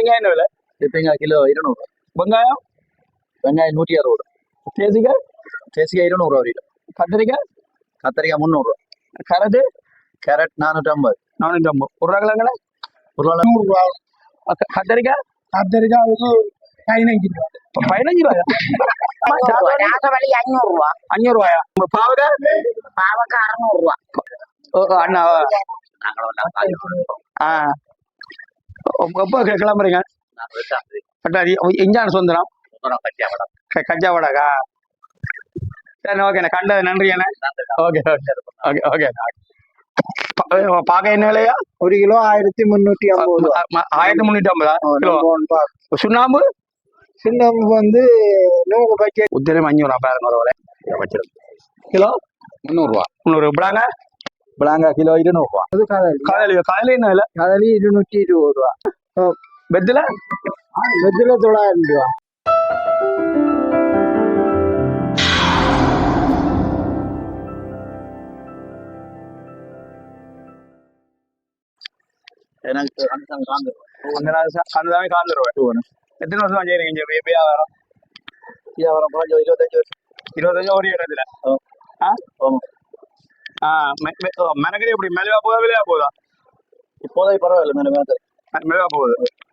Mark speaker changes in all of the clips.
Speaker 1: தேங்காய் என்ன விலை?
Speaker 2: தேங்காய் கிலோ 200.
Speaker 1: வெங்காயம்?
Speaker 2: வெங்காயம் 160.
Speaker 1: தேசிக்காய்?
Speaker 2: தேசிக்காய் 200 ஒரு கிலோ.
Speaker 1: கத்திரிக்காய்?
Speaker 2: கத்திரிக்காய் 300.
Speaker 1: கேரட்டு?
Speaker 2: கேரட் 450.
Speaker 1: 450. உருளைக்கிழங்குல?
Speaker 2: உருளைக்கிழங்கு
Speaker 3: 100 ரூபா.
Speaker 1: கத்திரிக்காய்?
Speaker 3: கத்திரிக்காய் 15 ரூபா.
Speaker 1: 15 ரூபாயா?
Speaker 4: நாகவழி 500 ரூபா.
Speaker 1: 500 ரூபாயா? பாவக்காய்?
Speaker 4: பாவக்காய் 600 ரூபா.
Speaker 1: அண்ணா எப்போ கிளம்புறீங்க? இஞ்சான சுந்தரம் கச்சா வடகா. சரி ஓகேண்ணே, கண்டது நன்றி அண்ணே. Okay okay okay okay. பாக்க என்ன விலையா?
Speaker 3: 1 கிலோ 1350.
Speaker 1: 1350 கிலோ. சுண்ணாம்பு?
Speaker 3: சின்னம் வந்து 100 பாக்கெட்.
Speaker 1: உத்திரம் 500 பாருங்க ஒரு விலை. கிலோ
Speaker 2: 300 ரூபா.
Speaker 1: 300. பிளாங்க?
Speaker 2: பிளாங்கா கிலோ 200 ரூபா.
Speaker 3: அது கதலி.
Speaker 1: கதலி என்ன விலை?
Speaker 3: கதலி 220 ரூபா.
Speaker 1: பெத்துல?
Speaker 3: வெத்தில 900 ரூபா.
Speaker 2: எனக்கு அந்த காந்துருவா.
Speaker 1: கந்ததாமே காந்துருவேன். எத்தனை வருஷமா செய்றீங்க இங்க வியாபாரம்?
Speaker 2: வியாபாரம் கொஞ்சம் 25 வருஷம்.
Speaker 1: 25 ஒரு இடத்துல. மெனக்கடி எப்படி மெதுவா போதா விலையா போதா?
Speaker 2: இப்போதைக்கு பரவாயில்ல, மேலே
Speaker 1: மெதுவா போகுது.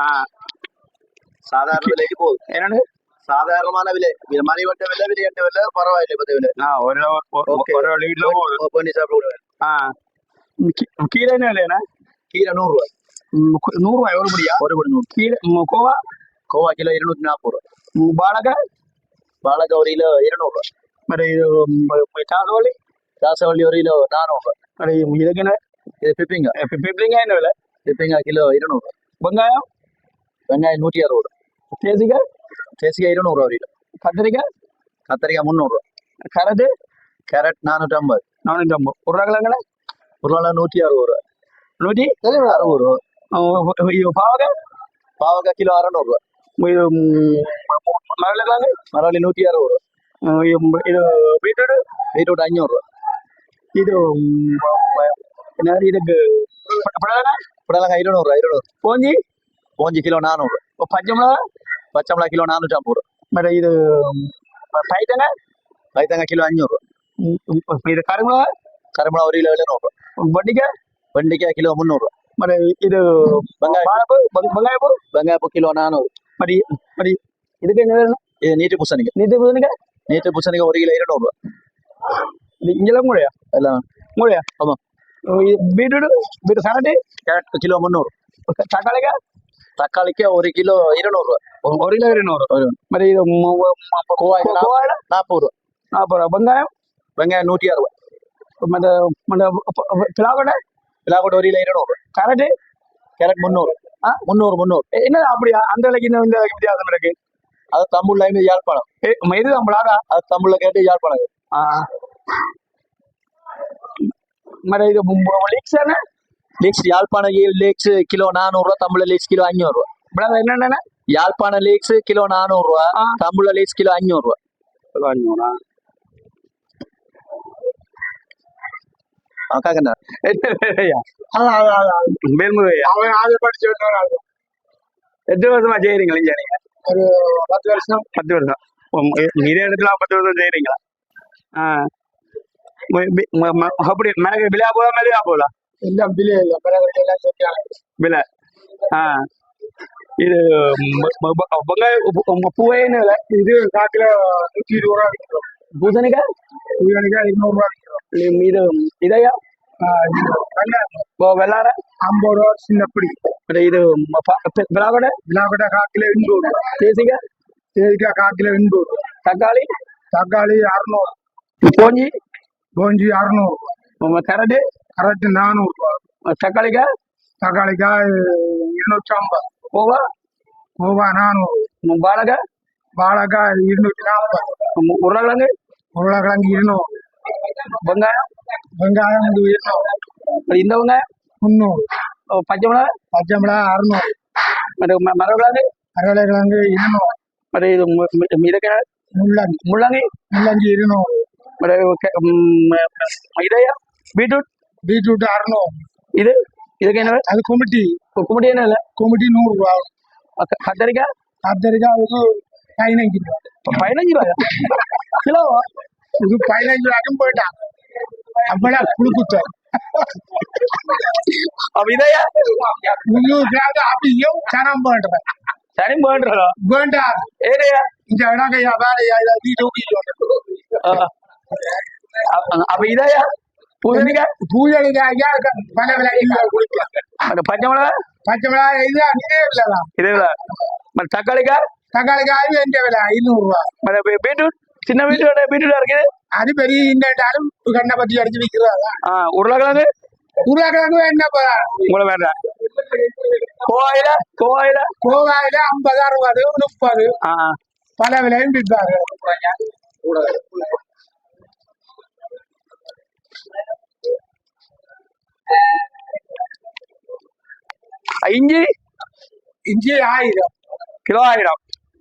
Speaker 2: சாதாரண விலைக்கு போகுது.
Speaker 1: என்னன்னு?
Speaker 2: சாதாரணமான விலை, மணிவட்ட விலை, விலையட்ட விலை பரவாயில்லை. இப்போதைய விலை
Speaker 1: ஒரு வீட்டுல போகுது.
Speaker 2: பண்ணி சாப்பிடுவேன்.
Speaker 1: கீரை என்ன விலையா?
Speaker 2: கீரை 100 ரூபாய்.
Speaker 1: 100 ரூபாய் ஒரு படியா?
Speaker 2: ஒரு படி 100.
Speaker 1: கீரை கோவா?
Speaker 2: கோவா கிலோ 240 ரூபாய்.
Speaker 1: பாலக்காய்?
Speaker 2: பாலக்காய் ஒரு கிலோ 200 ரூபாய்.
Speaker 1: మరి చాసవల్లి?
Speaker 2: చాసవల్లి ஒரு கிலோ 400 ரூபாய்.
Speaker 1: మరి இதுக்கு
Speaker 2: இது பிப்பிங்க.
Speaker 1: பிப்ளிங்கா என்ன விலை?
Speaker 2: பிப்பிங்க கிலோ 200 ரூபாய்.
Speaker 1: வெங்காயம்?
Speaker 2: வெங்காயம் 160 ரூபாய்.
Speaker 1: தேசிக்காய்?
Speaker 2: தேசிக்காய் 200 ரூபாய் ஒரு கிலோ.
Speaker 1: கத்திரிக்காய்?
Speaker 2: கத்திரிக்காய் 300 ரூபாய்.
Speaker 1: கேரட்டு?
Speaker 2: கேரட் 450.
Speaker 1: 450. உருளைக்கிழங்குல?
Speaker 2: உருளைக்கிழங்கு 160 ரூபாய்.
Speaker 1: 160
Speaker 2: ரூபாய்.
Speaker 1: பாவக்காய்?
Speaker 2: பாவக்காய் கிலோ 600 ரூபாய்.
Speaker 1: மரவள்ளிக்கிழங்கு?
Speaker 2: மரவள்ளி 160 ரூபாய்.
Speaker 1: இது பீட்ரூட்?
Speaker 2: பீட்ரூட் 500 ரூபாய்.
Speaker 1: இது இதுக்கு புடலங்காய்?
Speaker 2: புடலங்காய் 200 ரூபாய். 200.
Speaker 1: போஞ்சி?
Speaker 2: போஞ்சி கிலோ 400 ரூபாய்.
Speaker 1: பச்சை மிளகா?
Speaker 2: பச்சை மிளகா கிலோ 450 ரூபாய்.
Speaker 1: మరి இது பைத்தங்காய்?
Speaker 2: பைத்தங்காய் கிலோ 500 ரூபாய்.
Speaker 1: இது கருமிளகா?
Speaker 2: கருமிளகா ஒரு கிலோ 700 ரூபாய்.
Speaker 1: வண்டிக்காய்?
Speaker 2: வெண்டைக்காய் கிலோ 300 ரூபாய்.
Speaker 1: మరి இது வெங்காயப்பூ?
Speaker 2: வெங்காயப்பூ கிலோ 400.
Speaker 1: మరి మరి இதுக்கு என்ன வேணும்?
Speaker 2: இது நீட்டு பூசணிக்காய். நீட்டு பூசணிக்காய் ஒரு கிலோ 200 ரூபாய்.
Speaker 1: இங்கெல்லாம் மூடையா?
Speaker 2: எல்லாம்
Speaker 1: மூடையா?
Speaker 2: ஆமா.
Speaker 1: பீட்ரூட்? கேரட்டு?
Speaker 2: Carrot kilo 300.
Speaker 1: தக்காளிக்கா?
Speaker 2: தக்காளிக்கு ஒரு கிலோ 200 ரூபாய்.
Speaker 1: ஒரு கிலோ 200. మరి இது
Speaker 2: கோவாய் 40 ரூபாய்.
Speaker 1: 40 ரூபாய். வெங்காயம்?
Speaker 2: வெங்காயம் 160 ரூபாய்.
Speaker 1: பிளாக்கோட்டை?
Speaker 2: பிளாக்கோட்டை ஒரு கிலோ 200 ரூபாய்.
Speaker 1: கேரட்டு?
Speaker 2: கேரட் 300. 300.
Speaker 1: என்ன அப்படியா? அந்த விலைக்கு இந்த விலைக்கு வித்தியாசம் இருக்கு?
Speaker 2: அது தமிழ்ல யாழ்ப்பாணம்.
Speaker 1: இது நம்மளாக
Speaker 2: அது தமிழ்ல கேட்டு யாழ்ப்பாணம்.
Speaker 1: మరి ఇది లీక్స్ అన్న?
Speaker 2: லீக்ஸ் யாழ்ப்பாண லீக்ஸ் கிலோ 400 ரூபாய். தமிழ்ல லீக்ஸ் கிலோ 500 ரூபாய்.
Speaker 1: ఇప్పుడు என்னென்ன?
Speaker 2: யாழ்ப்பாண லீக்ஸ் கிலோ 400 ரூபாய். தமிழ்ல லீக்ஸ் கிலோ 500 ரூபாய்.
Speaker 1: 500.
Speaker 2: காக்கண்ணா
Speaker 1: மேல்முறையா?
Speaker 3: அவன் அதை படிச்சு வந்தாரு.
Speaker 1: எத்தனை வருஷமா செய்யறீங்களா இங்க நீங்க?
Speaker 3: ஒரு 10 வருஷம்.
Speaker 1: 10 வருஷம். இதே இடத்துல 10 வருஷம் செய்யறீங்களா? அப்படி மேலே விலையா போதா மேலேயா போதா?
Speaker 3: எல்லாம் பிள்ளை இல்லை, பிறகு எல்லாம் செஞ்சாங்க
Speaker 1: விலை. இது வெங்காயம் பூவே என்ன விலை?
Speaker 3: இது காக்கில 120 ரூபா விற்கிறோம்.
Speaker 1: பூசணிக்காய்?
Speaker 3: பூசணிக்காய் 200 ரூபா விற்கிறோம்.
Speaker 1: இது இதையா? வெள்ளார
Speaker 3: 50 ரூபா சின்னப்படி.
Speaker 1: இது விளாக்கொடை?
Speaker 3: விழாக்கொட்டை காக்கில 200 ரூபா.
Speaker 1: தேசிக்காய்?
Speaker 3: தேசிக்காய் காக்கில 200 ரூபா.
Speaker 1: தக்காளி?
Speaker 3: தக்காளி 600.
Speaker 1: போஞ்சி?
Speaker 3: போஞ்சி 600 ரூபா.
Speaker 1: கேரட்டு?
Speaker 3: கரெக்ட் 400 ரூபா.
Speaker 1: தக்காளிக்காய்?
Speaker 3: தக்காளிக்காய் 250.
Speaker 1: கோவா?
Speaker 3: கோவா 400.
Speaker 1: வாழைக்காய்?
Speaker 3: வாழைக்காய் 240.
Speaker 1: உருளைக்கிழங்கு?
Speaker 3: உருளைக்கிழங்கு 200.
Speaker 1: வெங்காயம்?
Speaker 3: வெங்காயம் 200.
Speaker 1: இந்த வெங்காயம்?
Speaker 3: 300.
Speaker 1: பச்சை மிளகா?
Speaker 3: பச்சை மிளகா 600.
Speaker 1: மரக்கிழங்கு?
Speaker 3: அரவளைக்கிழங்கு 200.
Speaker 1: இது இதுக்கு
Speaker 3: முள்ளங்கி
Speaker 1: முள்ளங்கி?
Speaker 3: முள்ளங்கி 200.
Speaker 1: இதையா? பீட்ரூட்?
Speaker 3: பீட்ரூட் 600.
Speaker 1: இது இதுக்கு என்ன?
Speaker 3: அது குமிட்டி.
Speaker 1: கும்பிட்டு என்ன இல்லை?
Speaker 3: குமிட்டி 100 ரூபா.
Speaker 1: கத்தரிக்காய்
Speaker 3: கத்திரிக்காய் இது 15 ரூபா
Speaker 1: 15 ரூபாயா கிலோ?
Speaker 3: இது 15 ரூபாய்க்கும் போயிட்டான் அப்படா குடுக்குத்த
Speaker 1: அப்ப இதையா
Speaker 3: முன்னூறு அப்படியும் தரம் பண்றேன்
Speaker 1: சரி போடுறோம்
Speaker 3: வேண்டாம்
Speaker 1: ஏரியா.
Speaker 3: இந்த இடக்கையா வேலையா நீ
Speaker 1: அப்ப இதையா பூசணிக்காய்
Speaker 3: பூஜைக்காயா பல விலை குடிக்கலாம்
Speaker 1: அந்த பச்சை மிளகா
Speaker 3: பச்சை மிளகாய் இது அங்கே விலைதான்
Speaker 1: இதே தக்காளிக்காய்
Speaker 3: தக்காளிக்காய் எந்த விலை 500 ரூபா
Speaker 1: பீட்ரூட் சின்ன பீட்ரூட்டா இருக்குது
Speaker 3: அது பெரிய இன்னும் கண்ணை பத்தி அடிச்சு விற்கிறாங்க
Speaker 1: உருளைக்கிழங்கு
Speaker 3: உருளைக்கிழங்கு என்ன
Speaker 1: உங்களை வேண்டாம். கோவாயில கோவாயில
Speaker 3: கோவாயில 50 60 30 பல விலையும் விற்பாங்க.
Speaker 1: இஞ்சி
Speaker 3: இஞ்சி 1000
Speaker 1: கிலோ 1000.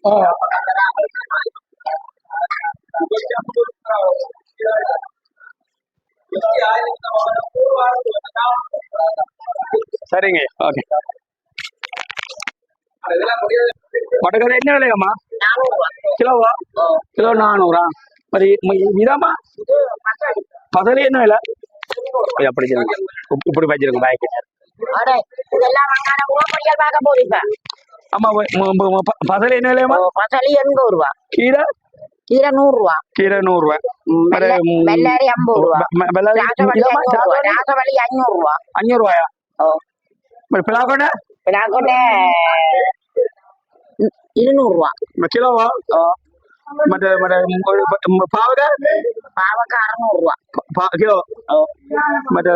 Speaker 1: சரிங்க ஓகே. மட்டக்கரை என்ன விலையாம்மா?
Speaker 4: 400 ரூபா
Speaker 1: கிலோவா? கிலோ 400. இதாம்மா பசலி என்ன விலை? அப்படி இப்படி வச்சிருங்க பேக்.
Speaker 4: அடே இதெல்லாம் வாங்காத ஓப்படியால் பார்க்க போறீங்க.
Speaker 1: ஆமா பசலி என்ன விலையாம்மா?
Speaker 4: பசலி 80 ரூபா
Speaker 1: கீரை
Speaker 4: கீரை 100 ரூபா
Speaker 1: கீரை 100 ரூபா.
Speaker 4: வெள்ளாரி 50 ரூபா ராசவள்ளி 500 ரூபா
Speaker 1: 500 ரூபாயா? பிளாக்கோட்டை
Speaker 4: பிளாக்கோட்டை 200 ரூபா
Speaker 1: கிலோவா? மற்ற பாவக்காய்
Speaker 4: பாவக்காய் 600 ரூபா
Speaker 1: கிலோ. மற்ற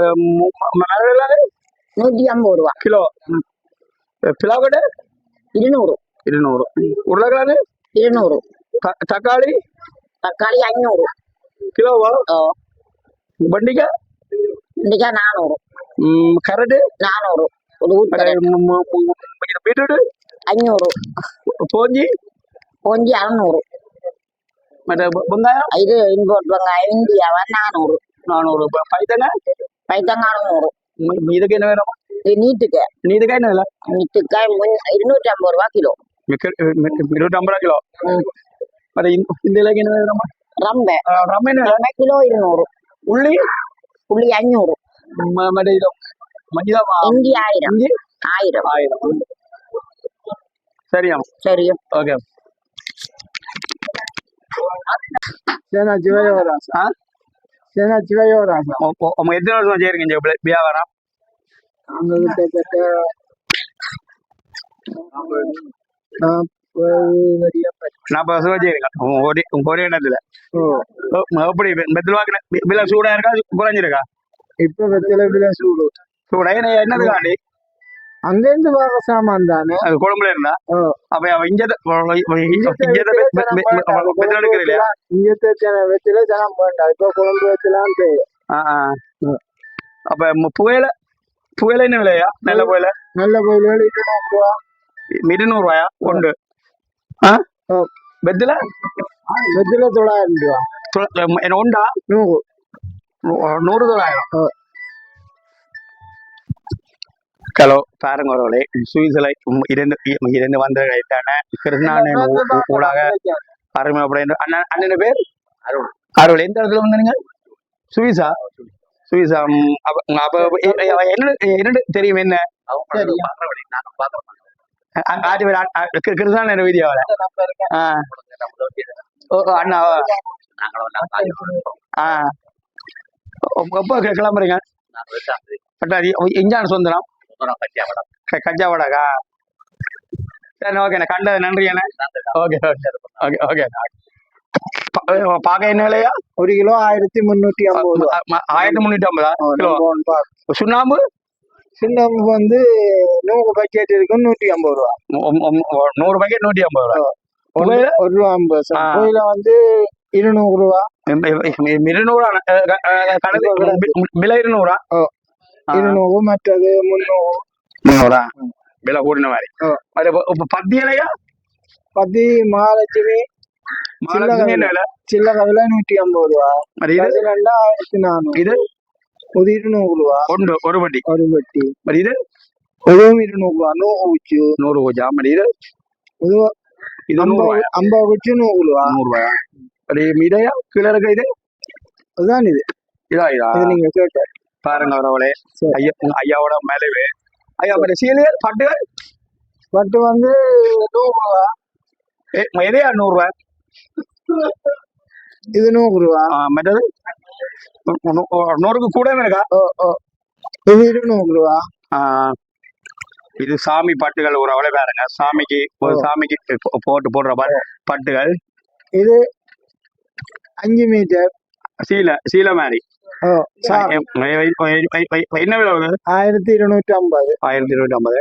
Speaker 4: 150 ரூபா
Speaker 1: கிலோ. பிளாக்கோட்டை
Speaker 4: 200
Speaker 1: 200. உருளைக்கிழங்கு
Speaker 4: 200.
Speaker 1: தக்காளி
Speaker 4: தக்காளி 500
Speaker 1: கிலோவா? வெண்டிக்காய்
Speaker 4: வெண்டைக்காய் 400.
Speaker 1: கரட்டு
Speaker 4: 400. ஒரு
Speaker 1: பீட்ரூட்
Speaker 4: 500.
Speaker 1: போஞ்சி
Speaker 4: கொஞ்சி 600.
Speaker 1: மற்ற வெங்காயம்
Speaker 4: இது இம்போர்ட் வெங்காயம் இந்தியாவா 400.
Speaker 1: 400. பைத்தங்காய்
Speaker 4: பைத்தங்காய் 600.
Speaker 1: இதுக்கு என்ன வேணும்?
Speaker 4: இது நீட்டுக்காய்
Speaker 1: நீதுக்காய் என்ன விலை?
Speaker 4: நீட்டுக்காய் 250 ரூபா கிலோ
Speaker 1: 250 ரூபா கிலோ. மற்ற இந்த இலைக்கு என்ன வேணும்?
Speaker 4: ரம்பை
Speaker 1: ரம்ம என்ன விலை?
Speaker 4: கிலோ 200.
Speaker 1: உள்ளி
Speaker 4: புள்ளி 500.
Speaker 1: மற்ற இது மஞ்சள்
Speaker 4: இஞ்சி 1000.
Speaker 1: இஞ்சி
Speaker 4: 1000.
Speaker 1: 1000. சரியா?
Speaker 4: சரி
Speaker 1: ஓகே.
Speaker 3: சேனா சிவயோராசா சேனா சிவயோராசா
Speaker 1: அவங்க எத்தனை வருஷம் செய்யறீங்க வியாபாரம்?
Speaker 3: அவங்க கிட்டத்தட்ட
Speaker 1: 40 வருஷம் செய்யறீங்க ஒரே இடத்துல. எப்படி மெத்தலுவாக்கு விலை சூடா இருக்கா குறைஞ்சிருக்கா?
Speaker 3: இப்ப வெத்தில விலை சூடு
Speaker 1: சூடா என்னதுக்காண்டி?
Speaker 3: அங்கிருந்து வர சாமான் தானே
Speaker 1: அது குழம்புல இருந்தா அப்ப இங்க எடுக்கிறீங்களா?
Speaker 3: வெத்தில ஜனம் வேண்டாம் இப்ப குழம்பு வச்சலாம் தெரியும்.
Speaker 1: அப்ப புயல என்ன விலையா? நல்ல புயல
Speaker 3: நல்ல கோயில் 200 ரூபா
Speaker 1: 200 ரூபாயா? உண்டு. வெத்தில
Speaker 3: வெத்தில 900 ரூபா
Speaker 1: என்ன உண்டா? 100 900. ஹலோ பாருங்க ஒருவளே சுவிசலை இருந்து வந்த கிருஷ்ணான ஊடாக அருமை அப்படின்னு அண்ணன் பேர் அருள். எந்த இடத்துல வந்தீங்க? சுவிசா சுவிசா. அப்ப என்ன தெரியும்? என்ன கிருஷ்ணான வீடியோல அண்ணாவா? எப்போ கிளம்புறீங்க? இஞ்சான சொந்தனம் கஜா வடகா? சரி ஓகேண்ணா கண்டது நன்றி அண்ணா. Okay okay okay okay. பாக்க என்ன விலையா?
Speaker 3: 1 கிலோ 1350
Speaker 1: 1350 கிலோ. சுண்ணாம்பு
Speaker 3: சுண்ணாம்பு வந்து 100 பாக்கெட் இருக்கு 150 ரூபா
Speaker 1: 100 பாக்கெட் 150 ரூபா.
Speaker 3: 1 ரூபா 50 கோயில வந்து 200 ரூபா
Speaker 1: 200 விலை 200.
Speaker 3: 200 மற்றது 300
Speaker 1: விலை கூடின மாதிரி. பத்தி இலையா?
Speaker 3: பத்தி மகாலட்சுமி சில்லறை விலை 150 ரூபா 1400.
Speaker 1: இது
Speaker 3: 200 ரூபா
Speaker 1: ஒரு பட்டி.
Speaker 3: ஒரு பட்டி.
Speaker 1: இது
Speaker 3: இதுவும் 200 ரூபா 100 குச்சி
Speaker 1: 100 பூஜா மடி இது
Speaker 3: இது
Speaker 1: இது 100 ரூபாயா
Speaker 3: 50 குச்சி 100 ரூபா
Speaker 1: 100 ரூபாயா அடி மீதையா கீழே இருக்க இது
Speaker 3: அதுதான் இது
Speaker 1: இதா இதா
Speaker 3: இது நீங்க கேட்ட
Speaker 1: பாருங்க அவரவளே
Speaker 3: சரி.
Speaker 1: ஐயாவோட மேலவே ஐயா மற்ற சீலையர் பட்டுகள்
Speaker 3: பட்டு வந்து 100 ரூபா
Speaker 1: எதையா 100 ரூபாய்
Speaker 3: இது 100 ரூபா
Speaker 1: மற்றது 100க்கு கூட இருக்கா
Speaker 3: இது 200 ரூபா
Speaker 1: இது சாமி பட்டுகள் ஒரு அவளை பாருங்க சாமிக்கு ஒரு சாமிக்கு போடுற பட்டுகள்
Speaker 3: இது 5 மீட்டர்
Speaker 1: சீலை மாதிரி என்ன விலை வருது
Speaker 3: 1250
Speaker 1: 1250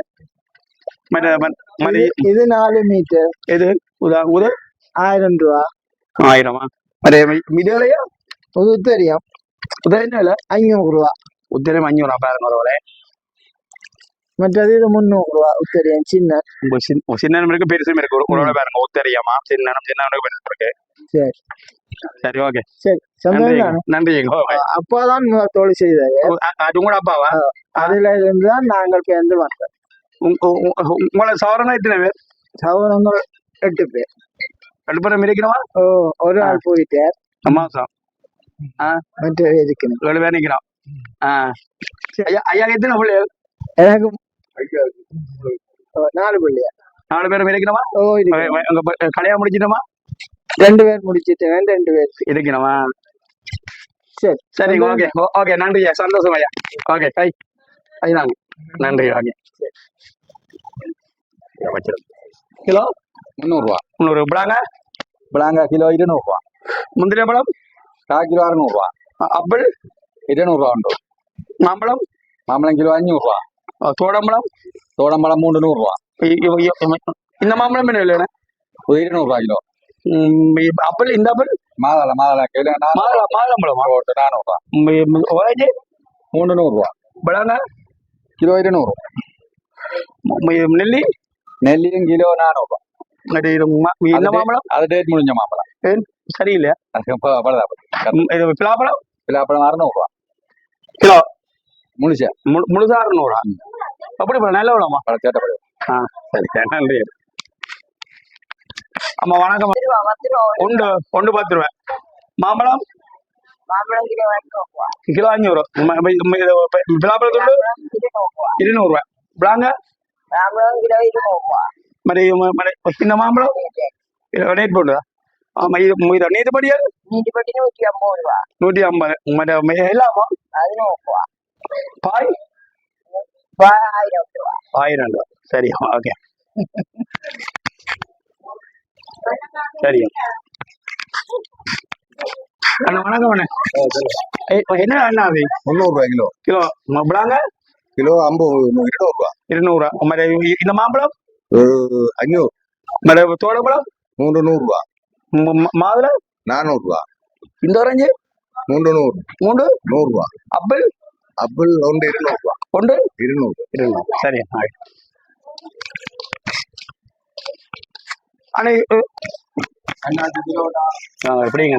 Speaker 3: இது 4 மீட்டர்
Speaker 1: இது உதா
Speaker 3: 1000 ரூபா
Speaker 1: 1000 அதே மிதலையா
Speaker 3: உத்தரியம்
Speaker 1: என்ன விலை
Speaker 3: 500 ரூபா
Speaker 1: உத்தரம் 500 பாருங்க ஒரு அவளை
Speaker 3: மற்றது இது 300 ரூபா உத்தரியம் சின்ன
Speaker 1: சின்னம் இருக்கு பெருசும் இருக்கு ஒரு பாருங்க உத்தரியமா சின்னம் பெருசு இருக்கு
Speaker 3: சரி
Speaker 1: சரி ஓகே
Speaker 3: சரி
Speaker 1: நன்றி
Speaker 3: அப்பாதான் தொழில் செய்தாரு
Speaker 1: அது உங்களோட அப்பாவா
Speaker 3: அதுல இருந்துதான் நாங்கள் சேர்ந்து வந்தோம்
Speaker 1: உங்களை சவரனா எத்தனை பேர்
Speaker 3: சவரங்கள் 8 பேர்
Speaker 1: 2 பேரும் இருக்கணுமா
Speaker 3: ஒரு ஆள் போயிட்டார்
Speaker 1: மாசம்
Speaker 3: மற்ற இருக்கணும்
Speaker 1: 7 பேர் நிக்கிறோம் ஐயா எத்தனை பிள்ளைகள்
Speaker 3: எனக்கு 4 பிள்ளையா
Speaker 1: 4 பேரும் இருக்கணுமா கல்யாணம் முடிச்சிட்டோமா
Speaker 3: 2 பேர் முடிச்சிட்டேன் 2 பேர்
Speaker 1: இருக்கணுமா
Speaker 3: சரி
Speaker 1: சரி ஓகே ஓகே நன்றி சந்தோஷம் ஐயா ஓகே ஐயா நன்றி ஓகே கிலோ
Speaker 2: 300 ரூபா
Speaker 1: 300 பிளாங்க
Speaker 2: பிளாங்கா கிலோ 200 ரூபா
Speaker 1: முந்திரி பழம்
Speaker 2: கிலோ 600 ரூபா
Speaker 1: ஆப்பிள்
Speaker 2: 200 ரூபா உண்டு
Speaker 1: மாம்பழம்
Speaker 2: கிலோ 500 ரூபா
Speaker 1: தோடம்பழம்
Speaker 2: 300 ரூபா
Speaker 1: இந்த மாம்பழம் என்ன இல்லைண்ணே
Speaker 2: 200 ரூபா கிலோ
Speaker 1: ஆப்பிள் இந்த ஆப்பிள்
Speaker 2: மாதளை கிலோ
Speaker 1: மாதுளம்பழமா
Speaker 2: 400 ரூபா
Speaker 1: ஓரேஞ்சு
Speaker 2: 300 ரூபா
Speaker 1: பிளாங்க
Speaker 2: கிலோ 200 நெல்லியும் கிலோ 400 ரூபா
Speaker 1: இந்த மாம்பழம்
Speaker 2: அது டேட் முடிஞ்ச மாம்பழம்
Speaker 1: சரியில்லையா பிலாப்பழம்
Speaker 2: 600 ரூபா
Speaker 1: கிலோ
Speaker 2: முழுசா
Speaker 1: 600 அப்படி நல்ல விடமா
Speaker 2: சேட்டப்படு
Speaker 1: சரி நன்றி ஆமா வணக்கம் ஒன்று 10 ரூபாய் மாம்பழம் கிலோ 500 பிலாப்பழத்துண்டு 200 ரூபாய் பிளாங்க మరి చిన్న మామూలు రేట్ పోతుందా ఇది నీటి పడియాలి 150 మరి ఎలామా పాయ్ 1000 சரி ஓகே சரி அண்ணா வணக்கம் அண்ணா என்ன அண்ணா அது
Speaker 2: 300 ரூபாய் கிலோ
Speaker 1: கிலோ பிளாங்க
Speaker 2: கிலோ 200 ரூபா
Speaker 1: 200 మరి இந்த மாம்பழம்
Speaker 2: 500
Speaker 1: మరి தோடம்பழம்
Speaker 2: 300 ரூபா
Speaker 1: மாதுளை
Speaker 2: 400 ரூபா
Speaker 1: இந்த ஆரஞ்சு
Speaker 2: 300 ரூபா அப்பிள் ஒன்று 200 ரூபா
Speaker 1: ஒன்று
Speaker 2: 200
Speaker 1: சரி அண்ணா எப்படிங்க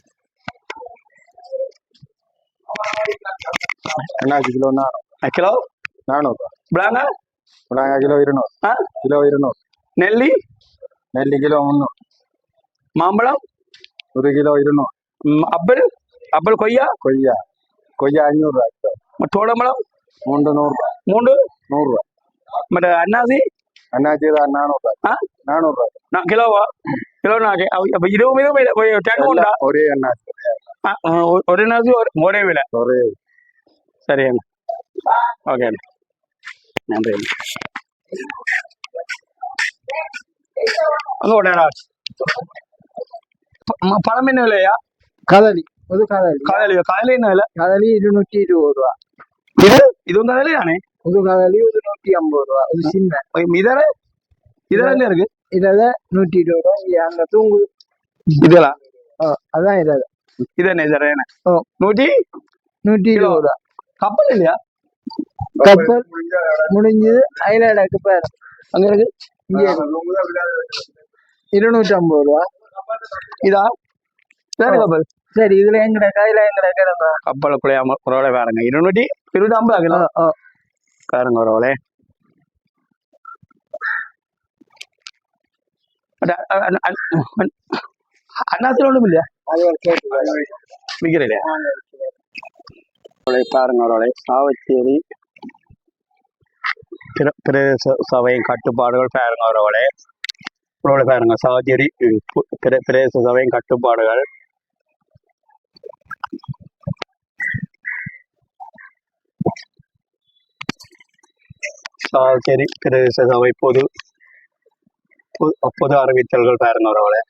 Speaker 2: அண்ணாச்சி கிலோ
Speaker 1: கிலோ
Speaker 2: 400 ரூபா
Speaker 1: பிளாங்க
Speaker 2: கிலோ 200 நெல்லி கிலோ 300
Speaker 1: மாம்பழம்
Speaker 2: 1 கிலோ 200
Speaker 1: ஆப்பிள் கொய்யா
Speaker 2: 500 ரூபா கிலோ
Speaker 1: தோடம்பழம்
Speaker 2: 300 ரூபா
Speaker 1: 100
Speaker 2: ரூபா
Speaker 1: మరి అన్నాసి
Speaker 2: 400 ரூபா 400 ரூபா
Speaker 1: కిలోవా కిలో నాకే అవి 20 టెన్ ఉందా
Speaker 2: ஒரே அண்ணாச்சி
Speaker 1: ఒరే నాసి ఒరే విల
Speaker 2: ஒரே
Speaker 1: సరే అన్న ఓకే అండి நன்றி அங்க ஓடா பழம் என்ன விலையா
Speaker 3: கதலி
Speaker 1: கதலி என்ன விலை
Speaker 3: கதலி 220 ரூபா
Speaker 1: இதுவும் கதலி தானே
Speaker 3: கதலி 150 ரூபா சின்ன
Speaker 1: இதெல்லாம் என்ன இருக்கு
Speaker 3: இதில் 120 ரூபா அங்க தூங்கு
Speaker 1: இதெல்லாம்
Speaker 3: அதான்
Speaker 1: இது என்ன இதரேன 120
Speaker 3: ரூபா
Speaker 1: கப்பல் இல்லையா
Speaker 3: கப்பல் முடிஞ்சது ஐலாண்டுக்கு பேர்
Speaker 1: அங்க இருக்கு
Speaker 3: இங்கே 250 ரூபா
Speaker 1: இதா சரி கப்பல்
Speaker 3: சரி இதுல எங்கட கையில கிடந்தா
Speaker 1: கப்பலுக்குள்ளே ஒரு வேலைங்க 250 பாருங்க ஒரு வேலை அண்ணாத்துல ஒன்றும் இல்லையா
Speaker 3: அது ஒரு கேட்டு
Speaker 1: விற்கிறீங்க
Speaker 3: பாருங்க அவரோட சாவச்சேரி
Speaker 1: பிரதேச சபையின் கட்டுப்பாடுகள் பாருங்க அவரோட பாருங்க சாவச்சேரி பிரதேச சபையின் கட்டுப்பாடுகள் சாவச்சேரி பிரதேச சபை பொது அறிவித்தல்கள் பாருங்க அவரோட